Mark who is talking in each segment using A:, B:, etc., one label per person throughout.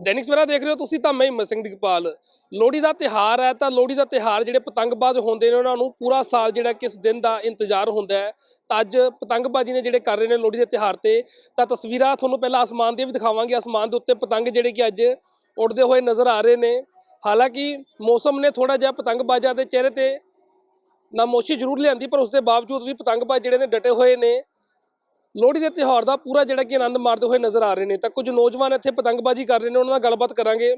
A: दैनिक सवेरा देख रहे हो तुसीं तां मैं हिम्मत सिंह दिगपाल। लोहड़ी का त्यौहार है तो लोहड़ी का त्यौहार जिहड़े पतंगबाज होंदे ने उन्हां नूं पूरा साल जिहड़ा किस दिन का इंतजार होंदा है। तो अज पतंगबाजी ने जिहड़े कर रहे हैं लोहड़ी के त्यौहार ते तां तस्वीरां तुहानूं पहलां आसमान दी भी दिखावांगे। आसमान के उत्ते पतंग जिहड़े कि अज उड़दे हुए नज़र आ रहे हैं। हालांकि मौसम ने थोड़ा जिहा पतंगबाजां दे चेहरे ते नामोशी जरूर लिआंदी पर उसके बावजूद भी पतंगबाज जिहड़े ने डटे हुए ने लोहड़ी के त्यौहार का पूरा जिहड़ा कि आनंद मारते हुए नज़र आ रहे हैं। तो कुछ नौजवान इत्थे पतंगबाजी कर रहे हैं, उन्हां नाल गलबात करांगे।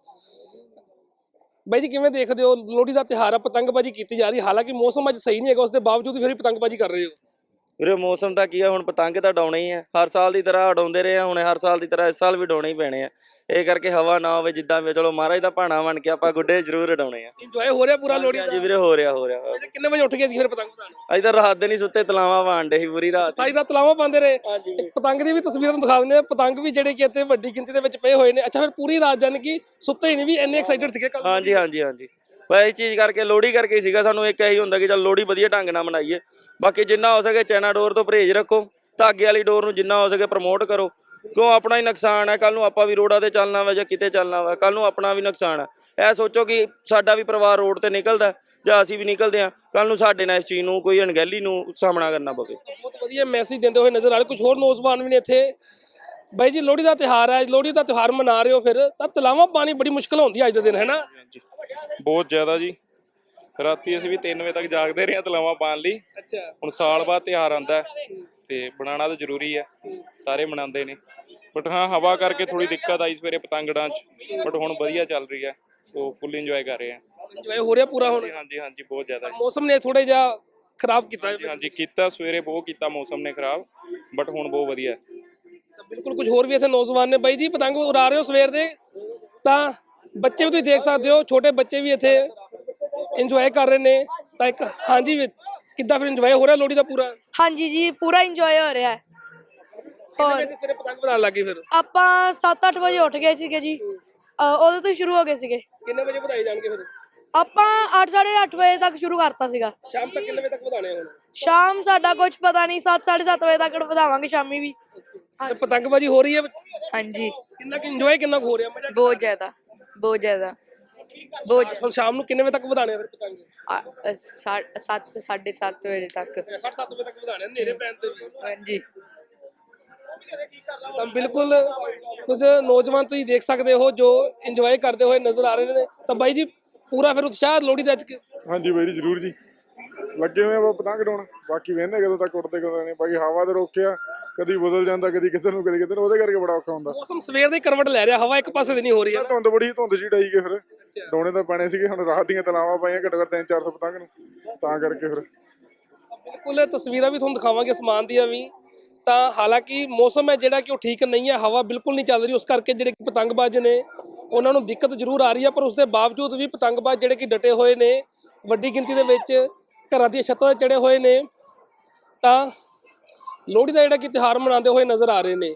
A: बाई जी किवें देखदे हो लोहड़ी का त्यौहार है, पतंगबाजी की जा रही, हालांकि मौसम अज सही नहीं है, उसके बावजूद फिर भी पतंगबाजी कर रहे हो?
B: ਵੀਰੇ ਮੌਸਮ ਤਾਂ ਕੀ ਆ, ਹੁਣ ਪਤੰਗ ਤਾਂ ਉਡਾਉਣੇ ਹੀ ਆ, ਹਰ ਸਾਲ ਦੀ ਤਰ੍ਹਾਂ ਉਡਾਉਂਦੇ ਰਹੇ ਆ, ਹੁਣ ਹਰ ਸਾਲ ਦੀ ਤਰ੍ਹਾਂ ਇਸ ਸਾਲ ਵੀ ਉਡਾਉਣੇ ਹੀ ਪੈਣੇ ਆ। ਇਹ ਕਰਕੇ ਹਵਾ ਨਾ ਹੋਵੇ ਜਿੱਦਾਂ ਵੀ, ਚਲੋ ਮਹਾਰਾਜ ਦਾ ਭਾਣਾ ਬਣ ਕੇ ਆਪਾਂ ਗੁੱਡੇ ਜ਼ਰੂਰ ਉਡਾਉਣੇ ਆ।
A: ਇੰਜੋਏ ਹੋ ਰਿਹਾ ਪੂਰਾ ਲੋਹੜੀ
B: ਹਾਂਜੀ ਵੀਰੇ, ਹੋ ਰਿਹਾ
A: ਕਿੰਨੇ ਵਜੇ ਉੱਠ ਗਏ ਸੀ ਫਿਰ ਪਤੰਗ ਉਡਾਉਣ?
B: ਅੱਜ ਤਾਂ ਰਾਤ ਦੇ ਨਹੀਂ ਸੁੱਤੇ, ਤਲਾਵਾਂ ਪਾਉਂਦੇ ਸੀ ਪੂਰੀ ਰਾਤ।
A: ਸਾਰੀ ਰਾਤ ਤਲਾਵਾਂ ਪਾਉਂਦੇ ਰਹੇ। ਪਤੰਗ ਦੀ ਵੀ ਤਸਵੀਰਾਂ ਤੁਹਾਨੂੰ ਦਿਖਾ ਦਿੰਦੇ ਆ। ਪਤੰਗ ਵੀ ਜਿਹੜੇ ਕਿ ਇੱਥੇ ਵੱਡੀ ਗਿਣਤੀ ਦੇ ਵਿੱਚ ਪਏ ਹੋਏ ਨੇ। ਅੱਛਾ ਫਿਰ ਪੂਰੀ ਰਾਤ ਜਾਨ ਕਿ ਸੁੱਤੇ ਹੀ ਨਹੀਂ, ਵੀ ਇੰਨੇ ਐਕਸਾਈਟਡ ਸੀਗੇ ਕੱਲ?
B: ਹਾਂਜੀ ਹਾਂਜੀ ਹਾਂਜੀ, ਬਸ ਇਹ ਚੀਜ਼ ਕਰਕੇ ਲੋਹੜੀ ਕਰਕੇ ਹੀ ਸੀਗਾ। ਸਾਨੂੰ ਇੱਕ ਇਹੀ ਹੁੰਦਾ ਕਿ ਚੱਲ ਲੋਹੜੀ ਵਧੀਆ ਢੰਗ ਨਾਲ ਮਨਾਈਏ। ਬਾਕੀ ਜਿੰਨਾ ਹੋ ਸਕੇ ਚਾਈਨਾ ਡੋਰ ਤੋਂ ਪਰਹੇਜ਼ ਰੱਖੋ, ਧਾਗੇ ਵਾਲੀ ਡੋਰ ਨੂੰ ਜਿੰਨਾ ਹੋ ਸਕੇ ਪ੍ਰਮੋਟ ਕਰੋ, ਕਿਉਂ ਆਪਣਾ ਹੀ ਨੁਕਸਾਨ ਹੈ। ਕੱਲ ਨੂੰ ਆਪਾਂ ਵੀ ਰੋਡਾਂ ਤੇ ਚੱਲਣਾ ਵਾ ਜਾਂ ਕਿਤੇ ਚੱਲਣਾ ਵਾ, ਕੱਲ ਨੂੰ ਆਪਣਾ ਵੀ ਨੁਕਸਾਨ ਹੈ। ਇਹ ਸੋਚੋ ਕਿ ਸਾਡਾ ਵੀ ਪਰਿਵਾਰ ਰੋਡ ਤੇ ਨਿਕਲਦਾ ਜਾਂ ਅਸੀਂ ਵੀ ਨਿਕਲਦੇ ਹਾਂ, ਕੱਲ ਨੂੰ ਸਾਡੇ ਨਾਲ ਇਸ ਚੀਜ਼ ਨੂੰ ਕੋਈ ਅਣਗਹਿਲੀ ਨੂੰ ਸਾਹਮਣਾ ਕਰਨਾ ਪਵੇ।
A: ਬਹੁਤ ਵਧੀਆ ਮੈਸੇਜ ਦਿੰਦੇ ਹੋਏ ਨਜ਼ਰ ਆ ਰਹੇ ਕੁਝ ਹੋਰ ਨੌਜਵਾਨ ਵੀ ਨੇ ਇੱਥੇ। ਬਾਈ ਜੀ ਲੋਹੜੀ ਦਾ ਤਿਉਹਾਰ ਹੈ, ਲੋਹੜੀ ਦਾ ਤਿਉਹਾਰ ਮਨਾ ਰਹੇ ਹੋ, ਫਿਰ ਤਾਂ ਤਲਾਵਾਂ ਪਾਣੀ ਬੜੀ ਮੁਸ਼ਕਲ ਹੁੰਦੀ ਹੈ ਅੱਜ ਦੇ ਦਿਨ, ਹੈ ਨਾ?
C: ਬਹੁਤ ਜ਼ਿਆਦਾ ਜੀ। ਰਾਤੀ ਅਸੀਂ ਵੀ 3 ਵਜੇ ਤੱਕ ਜਾਗਦੇ ਰਹੇ ਤਲਾਵਾਂ ਪਾਉਣ ਲਈ।
A: ਅੱਛਾ,
C: ਹੁਣ ਸਾਲ ਬਾਅਦ ਤਿਉਹਾਰ ਆਉਂਦਾ ਤੇ ਬਣਾਉਣਾ ਤਾਂ ਜ਼ਰੂਰੀ ਹੈ, ਸਾਰੇ ਮਨਾਉਂਦੇ ਨੇ। ਬਟ ਹਾਂ, ਹਵਾ ਕਰਕੇ ਥੋੜੀ ਦਿੱਕਤ ਆਈ ਸਵੇਰੇ ਪਤੰਗੜਾਂ 'ਚ, ਬਟ ਹੁਣ ਵਧੀਆ ਚੱਲ ਰਹੀ ਹੈ, ਉਹ ਫੁੱਲ ਇੰਜੋਏ ਕਰ ਰਹੇ ਆ।
A: ਇੰਜੋਏ ਹੋ ਰਿਹਾ ਪੂਰਾ ਹੁਣ?
C: ਹਾਂਜੀ ਹਾਂਜੀ, ਬਹੁਤ ਜ਼ਿਆਦਾ।
A: ਮੌਸਮ ਨੇ ਥੋੜਾ ਜਿਹਾ ਖਰਾਬ ਕੀਤਾ ਹੈ।
C: ਹਾਂਜੀ ਕੀਤਾ, ਸਵੇਰੇ ਬਹੁਤ ਕੀਤਾ ਮੌਸਮ ਨੇ ਖਰਾਬ, ਬਟ ਹੁਣ ਬਹੁਤ ਵਧੀਆ।
A: ਬਿਲਕੁਲ ਕੁਝ ਹੋਰ ਵੀ ਇੱਥੇ ਨੌਜਵਾਨ ਨੇ। ਬਾਈ ਜੀ ਪਤੰਗ ਉਡਾ ਰਹੇ ਹੋ ਸਵੇਰ ਦੇ, ਤਾਂ ਬੱਚੇ ਵੀ ਤੁਸੀਂ ਦੇਖ ਸਕਦੇ ਹੋ, ਛੋਟੇ ਬੱਚੇ ਵੀ ਇੱਥੇ ਇੰਜੋਏ ਕਰ ਰਹੇ ਨੇ। ਤਾਂ ਇੱਕ ਹਾਂਜੀ, ਕਿੱਦਾਂ ਫਿਰ ਇੰਜੋਏ ਹੋ ਰਿਹਾ ਲੋਹੜੀ ਦਾ ਪੂਰਾ?
D: ਹਾਂਜੀ ਜੀ, ਪੂਰਾ ਇੰਜੋਏ ਹੋ ਰਿਹਾ ਹੈ।
A: ਹੋਰ ਸਵੇਰੇ ਪਤੰਗ ਉਡਾਉਣ ਲੱਗੇ ਫਿਰ?
D: ਆਪਾਂ 7-8 ਵਜੇ ਉੱਠ ਗਏ ਸੀਗੇ ਜੀ, ਉਦੋਂ ਤੋਂ ਸ਼ੁਰੂ ਹੋ ਗਏ ਸੀਗੇ।
A: ਕਿੰਨੇ ਵਜੇ ਵਧਾਏ ਜਾਣਗੇ ਫਿਰ?
D: ਆਪਾਂ 8-8:30 ਵਜੇ ਤੱਕ ਸ਼ੁਰੂ ਕਰਤਾ ਸੀਗਾ।
A: ਸ਼ਾਮ ਤੱਕ ਕਿੰਨੇ ਵਜੇ ਤੱਕ ਵਧਾਣੇ ਹੁਣ?
D: ਸ਼ਾਮ ਸਾਡਾ ਕੁਝ ਪਤਾ ਨਹੀਂ, 7-7:30 ਵਜੇ ਤੱਕ ਵਧਾਵਾਂਗੇ ਸ਼ਾਮੀ ਵੀ।
A: ਪਤੰਗਬਾਜੀ ਹੋ ਰਹੀ ਹੈ?
E: ਹਾਂਜੀ,
A: ਕਿੰਨਾ ਕਿ ਇੰਜੋਏ ਕਿੰਨਾ ਹੋ ਰਿਹਾ? ਮਜ਼ਾ
E: ਬਹੁਤ ਜ਼ਿਆਦਾ ਬਹੁਤ ਜ਼ਿਆਦਾ ਬਹੁਤ।
A: ਹੁਣ ਸ਼ਾਮ ਨੂੰ ਕਿੰਨੇ ਵਜੇ ਤੱਕ ਵਧਾਣੇ ਫਿਰ ਪਤੰਗ?
E: 7-7:30 ਵਜੇ ਤੱਕ।
A: 7:30 ਵਜੇ ਤੱਕ ਵਧਾਣੇ, ਹਨੇਰੇ ਪੈਣ ਤੇ ਵੀ?
E: ਹਾਂਜੀ,
A: ਤਾਂ ਬਿਲਕੁਲ ਕੁਝ ਨੌਜਵਾਨ ਤੁਸੀਂ ਦੇਖ ਸਕਦੇ ਹੋ ਜੋ ਇੰਜੋਏ ਕਰਦੇ ਹੋਏ ਨਜ਼ਰ ਆ ਰਹੇ ਨੇ। ਤਾਂ ਬਾਈ ਜੀ ਪੂਰਾ ਫਿਰ ਉਤਸ਼ਾਹ ਲੋਹੜੀ ਦਾ ਅੱਜ?
F: ਹਾਂਜੀ ਬਾਈ ਜੀ, ਜ਼ਰੂਰ ਜੀ, ਲੱਗੇ ਹੋਏ ਆ ਪਤੰਗ ਉਡਾਉਣ। ਬਾਕੀ ਵੇਖਦੇ ਕਦੋਂ ਤੱਕ ਉੱਡਦੇ ਕਦੋਂ ਨਹੀਂ। ਬਾਕੀ ਹਵਾ ਤੇ ਰੋਕਿਆ, ਕਦੀ ਬਦਲ ਜਾਂਦਾ, ਕਦੀ ਕਿੱਧਰ ਨੂੰ ਕਦੀ ਕਿੱਧਰ ਨੂੰ, ਉਹਦੇ ਕਰਕੇ ਬੜਾ ਔਖਾ ਹੁੰਦਾ।
A: ਮੌਸਮ ਸਵੇਰ ਦੀ ਕਰਵਟ ਲੈ ਰਿਹਾ, ਹਵਾ ਇੱਕ ਪਾਸੇ ਦੀ ਨਹੀਂ ਹੋ ਰਹੀ ਹੈ।
F: ਧੁੰਦ ਬੜੀ, ਧੁੰਦ ਜੀ ਡਾਈ ਗਏ, ਫਿਰ ਡਾਉਣੇ ਤਾਂ ਪੈਣੇ ਸੀਗੇ। ਹੁਣ ਰਾਤ ਦੀਆਂ ਤਲਾਵਾਂ ਪਾਈਆਂ ਘੱਟੋ ਘੱਟ 300-400 ਪਤੰਗ ਨੂੰ, ਤਾਂ ਕਰਕੇ ਫਿਰ
A: ਬਿਲਕੁਲ ਤਸਵੀਰਾਂ ਵੀ ਤੁਹਾਨੂੰ ਦਿਖਾਵਾਂਗੇ ਅਸਮਾਨ ਦੀਆਂ ਵੀ। ਤਾਂ ਹਾਲਾਂਕਿ ਮੌਸਮ ਹੈ ਜਿਹੜਾ ਕਿ ਉਹ ਠੀਕ ਨਹੀਂ ਹੈ, ਹਵਾ ਬਿਲਕੁਲ ਨਹੀਂ ਚੱਲ ਰਹੀ, ਉਸ ਕਰਕੇ ਜਿਹੜੇ ਪਤੰਗਬਾਜ਼ ਨੇ ਉਹਨਾਂ ਨੂੰ ਦਿੱਕਤ ਜ਼ਰੂਰ ਆ ਰਹੀ ਹੈ। ਪਰ ਉਸ ਦੇ ਬਾਵਜੂਦ ਵੀ ਪਤੰਗਬਾਜ਼ ਜਿਹੜੇ ਕਿ ਡਟੇ ਹੋਏ ਨੇ, ਵੱਡੀ ਗਿਣਤੀ ਦੇ ਵਿੱਚ ਘਰਾਂ ਦੀਆਂ ਛੱਤਾਂ 'ਤੇ ਚੜੇ ਹੋਏ ਨੇ, ਤਾਂ ਲੋਹੜੀ ਦਾ ਜਿਹੜਾ ਕਿ ਤਿਉਹਾਰ ਮਨਾਉਂਦੇ ਹੋਏ ਨਜ਼ਰ ਆ ਰਹੇ ਨੇ।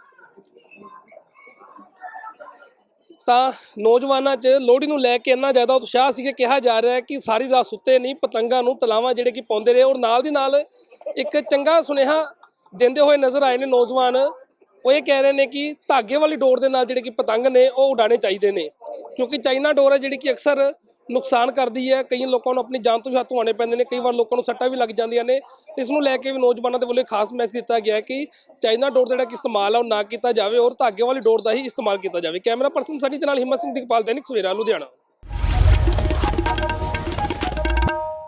A: ਤਾਂ ਨੌਜਵਾਨਾਂ 'ਚ ਲੋਹੜੀ ਨੂੰ ਲੈ ਕੇ ਇੰਨਾ ਜ਼ਿਆਦਾ ਉਤਸ਼ਾਹ ਸੀ ਕਿ ਕਿਹਾ ਜਾ ਰਿਹਾ ਹੈ ਕਿ ਸਾਰੀ ਰਾਤ ਸੁੱਤੇ ਨਹੀਂ, ਪਤੰਗਾਂ ਨੂੰ ਤਲਾਵਾਂ ਜਿਹੜੇ ਕਿ ਪਾਉਂਦੇ ਰਹੇ। ਔਰ ਨਾਲ ਦੀ ਨਾਲ ਇੱਕ ਚੰਗਾ ਸੁਨੇਹਾ ਦਿੰਦੇ ਹੋਏ ਨਜ਼ਰ ਆਏ ਨੇ ਨੌਜਵਾਨ। ਉਹ ਇਹ ਕਹਿ ਰਹੇ ਨੇ ਕਿ ਧਾਗੇ ਵਾਲੀ ਡੋਰ ਦੇ ਨਾਲ ਜਿਹੜੇ ਕਿ ਪਤੰਗ ਨੇ ਉਹ ਉਡਾਉਣੇ ਚਾਹੀਦੇ ਨੇ, ਕਿਉਂਕਿ ਚਾਈਨਾ ਡੋਰ ਹੈ ਜਿਹੜੀ ਕਿ ਅਕਸਰ ਨੁਕਸਾਨ ਕਰਦੀ ਹੈ। ਕਈ ਲੋਕਾਂ ਨੂੰ ਆਪਣੀ ਜਾਨ ਤੋਂ ਹੱਥ ਧੋਣੇ ਪੈਂਦੇ ਨੇ, ਕਈ ਵਾਰ ਲੋਕਾਂ ਨੂੰ ਸੱਟਾਂ ਵੀ ਲੱਗ ਜਾਂਦੀਆਂ ਨੇ। ਤੇ ਇਸ ਨੂੰ ਲੈ ਕੇ ਵੀ ਨੌਜਵਾਨਾਂ ਦੇ ਵੱਲੋਂ ਖਾਸ ਮੈਸੇਜ ਦਿੱਤਾ ਗਿਆ ਹੈ ਕਿ ਚਾਈਨਾ ਡੋਰ ਦਾ ਜਿਹੜਾ ਕਿ ਇਸਤੇਮਾਲ ਹੈ ਉਹ ਨਾ ਕੀਤਾ ਜਾਵੇ ਔਰ ਧਾਗੇ ਵਾਲੀ ਡੋਰ ਦਾ ਹੀ ਇਸਤੇਮਾਲ ਕੀਤਾ ਜਾਵੇ। ਕੈਮਰਾ ਪਰਸਨ ਸਨੀ ਦੇ ਨਾਲ ਹਿੰਮਤ ਸਿੰਘ ਦਿਗਪਾਲ, दैनिक सवेरा, लुधियाना।